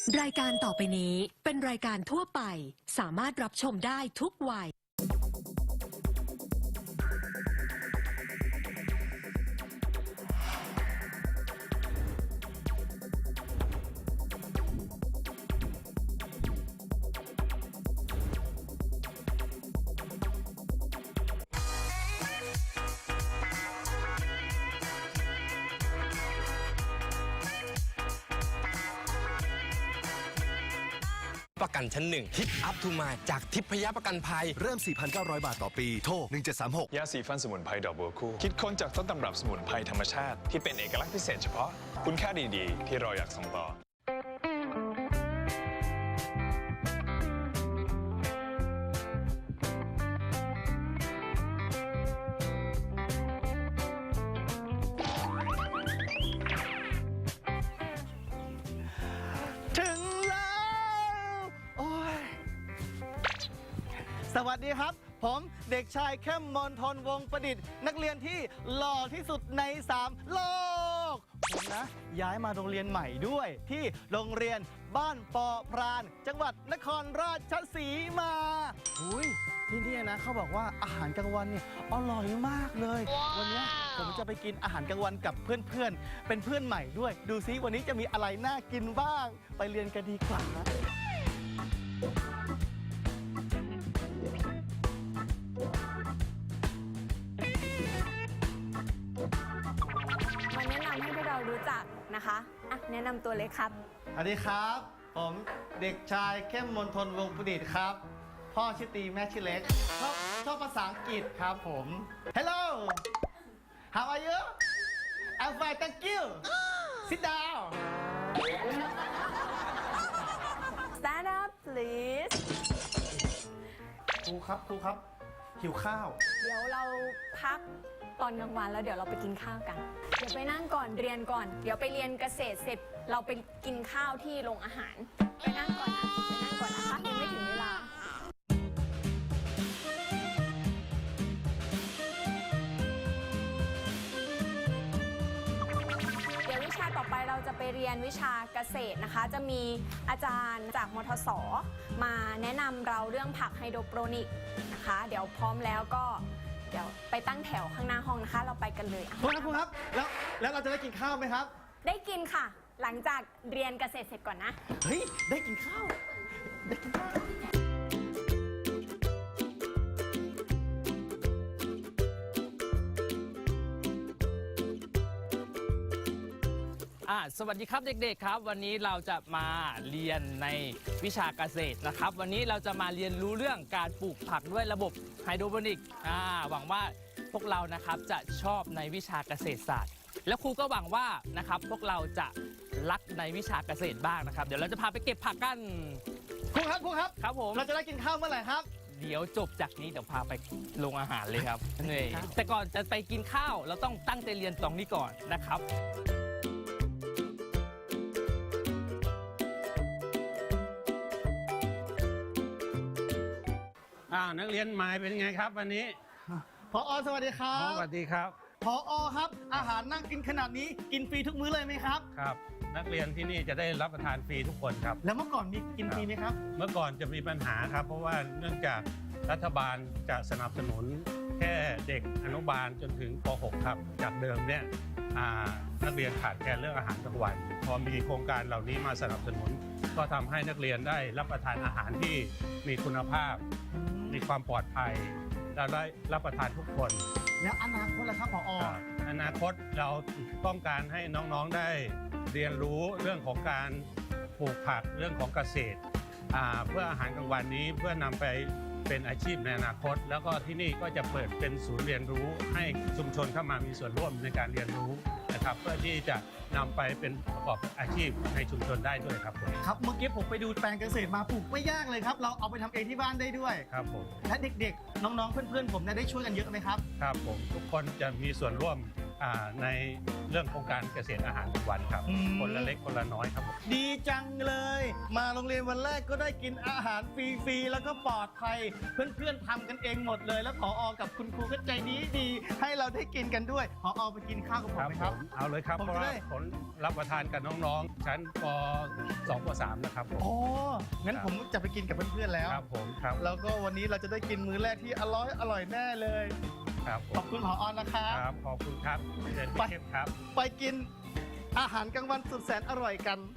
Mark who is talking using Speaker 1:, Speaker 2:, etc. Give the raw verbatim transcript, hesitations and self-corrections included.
Speaker 1: รายการต่อไปนี้เป็นรายการทั่วไปสามารถรับชมได้ทุกวัย
Speaker 2: ประกันชั้นหนึ่งทิปอัพทูมายจากทิพยประกันภัย
Speaker 3: เริ่ม สี่พันเก้าร้อย บาทต่อปี โทร หนึ่งเจ็ดสามหก
Speaker 4: ยาสีฟันสมุนไพรดอกบัวคู่คิดค้นจากต้นตำรับสมุนไพรธรรมชาติที่เป็นเอกลักษณ์พิเศษเฉพาะคุณค่าดีๆ ที่เราอยากส่งต่อ
Speaker 5: ถึงแล้วโอ้ยสวัสดีครับ ผมเด็กชายเข้มมนทนวงศ์ประดิษฐ์นักเรียนที่หล่อที่สุดในสามโลกผมนะย้ายมาโรงเรียนใหม่ด้วยที่โรงเรียนบ้านปอพรานจังหวัดนครราชสีมาอุ้ยที่นี่นะเขาบอกว่าอาหารกลางวันเนี่ยอร่อยมากเลย วันนี้ผมจะไปกินอาหารกลางวันกับเพื่อนๆเป็นเพื่อนใหม่ด้วยดูซิวันนี้จะมีอะไรน่ากินบ้างไปเรียนกันดีกว่านะ
Speaker 6: มาแนะนำให้พวกเรารู้จักนะคะอ่ะแนะนำตัวเลยครับ
Speaker 5: สวัสดีครับ ผมเด็กชายเข้มมนทนวงศ์ประดิษฐ์ครับ พ่อชื่อตีแม่ชื่อเล็กชอบชอบภาษาอังกฤษครับผม Hello How are you I'm fine thank you Sit down
Speaker 6: Stand up please
Speaker 5: ครูครับครูครับหิวข้าว
Speaker 6: เดี๋ยวเราพักตอนกลางวันแล้วเดี๋ยวเราไปกินข้าวกัน เดี๋ยวไปนั่งก่อนเรียนก่อน เดี๋ยวไปเรียนเกษตรเสร็จเราไปกินข้าวที่โรงอาหาร ไปนั่งก่อนนะไปนั่งก่อนนะคะยังไม่ถึงเวลา เดี๋ยววิชาต่อไปเราจะไปเรียนวิชาเกษตรนะคะ จะมีอาจารย์จากมทส มาแนะนำเราเรื่องผักไฮโดรโปรนิกนะคะ เดี๋ยวพร้อมแล้วก็เดี๋ยวไปตั้งแถวข้างหน้าห้องนะคะ เราไปกันเลยอ่ะ
Speaker 5: ครูครับครูครับแล้วแล้วเราจะได้กินข้าวไหมครับ
Speaker 6: ได้กินค่ะ หลังจากเรียนเกษตรเสร็จก่อนนะ
Speaker 5: เฮ้ยได้กินข้าวได้กินข้าว
Speaker 7: อ่าสวัสดีครับเด็กๆครับวันนี้เราจะมาเรียนในวิชาเกษตรนะครับวันนี้เราจะมาเรียนรู้เรื่องการปลูกผักด้วยระบบไฮโดรโปนิกอ่าหวังว่าพวกเรานะครับจะชอบในวิชาเกษตรศาสตร์ แล้วครูก็หวังว่านะครับพวกเราจะรักในวิชาเกษตรบ้างนะครับเดี๋ยวเราจะพาไปเก็บผักกัน
Speaker 5: ครูครับครูครับ
Speaker 7: ครับผม
Speaker 5: เราจะได้กินข้าวเมื่อไหร่ครับ
Speaker 7: เดี๋ยวจบจากนี้เดี๋ยวพาไปโรงอาหารเลยครับนี่แต่ก่อนจะไปกินข้าวเราต้องตั้งใจเรียนตรงนี้ก่อนนะครับ
Speaker 8: อ้าวนักเรียนหมายเป็นไงครับวันนี้
Speaker 5: พอสวัสดีครั
Speaker 8: อ๋อบ สวัสดีครับ
Speaker 5: พอครับอาหารนั่งกินขนาดนี้กินฟรีทุกมื้อเลยไหมครับ
Speaker 8: ครับ นักเรียนที่นี่จะได้รับประทานฟรีทุกคนครับ
Speaker 5: แล้วเมื่อก่อนมีกินฟรีไหมครับ
Speaker 8: เมื่อก่อนจะมีปัญหาครับ เพราะว่าเนื่องจากรัฐบาลจะสนับสนุนแค่เด็กอนุบาลจนถึงป หก ครับจากเดิมเนี่ยอ่านักเรียนขาดแคลนเรื่องอาหารกลางวันพอมีโครงการเหล่านี้มาสนับสนุน ก็ทำให้นักเรียนได้รับประทานอาหารที่มีคุณภาพ มีความปลอดภัยและได้รับประทานทุกคน
Speaker 5: แล้วอนาคตล่ะครับพอ
Speaker 8: ครับอนาคตเราต้องการให้น้องๆได้เรียนรู้เรื่องของการปลูกผักเรื่องของเกษตรอ่าเพื่ออาหารกลางวันนี้เพื่อนำไปเป็นอาชีพในอนาคต แล้วก็ที่นี่ก็จะเปิดเป็นศูนย์เรียนรู้ให้ชุมชนเข้ามามีส่วนร่วมในการเรียนรู้นะครับเพื่อที่จะนำไปเป็นประกอบอาชีพในชุมชนได้ด้วยครับผม
Speaker 5: ครับเมื่อกี้ผมไปดูแปลงเกษตรมาปลูกไม่ยากเลยครับ เราเอาไปทำเองที่บ้านได้ด้วย
Speaker 8: ครับผม
Speaker 5: และเด็กๆ น้องๆ เพื่อนๆ ผมเนี่ยได้ช่วยกันเยอะไหมครับ
Speaker 8: ครับผมทุกคนจะมีส่วนร่วมอ่าในเรื่องของการเกษตรอาหารทุกวันครับ
Speaker 5: อืม
Speaker 8: คนละเล็กคนละน้อยครับผม
Speaker 5: ดีจังเลย มาโรงเรียนวันแรกก็ได้กินอาหารฟรีๆแล้วก็ปลอดภัย เพื่อนๆทำกันเองหมดเลย แล้วผอกับคุณครูก็ใจดีดีๆให้เราได้กินกันด้วยผอไปกินข้าวกับผมไหมครับ
Speaker 8: ผมเอาเลยครับ
Speaker 5: ผม
Speaker 8: เพราะ
Speaker 5: จะ
Speaker 8: ว่า
Speaker 5: ได้
Speaker 8: ผลรับประทานกับน้องๆ ชั้นป สอง ป สาม นะครับผม
Speaker 5: โอ้งั้นผมจะไปกินกับเพื่อนๆแล้ว
Speaker 8: ครับผมครับ
Speaker 5: แล้วก็วันนี้เราจะได้กินมื้อแรกที่อร่อยอร่อยแน่เลย
Speaker 8: ครับผ
Speaker 5: ขอ
Speaker 8: ม
Speaker 5: บคุณผอนะครับ
Speaker 8: ครับขอบคุณครับเชิญ
Speaker 5: ไป
Speaker 8: พี่เข้มครับ
Speaker 5: ไปกินอาหารกลางวันสุดแสนอร่อยกัน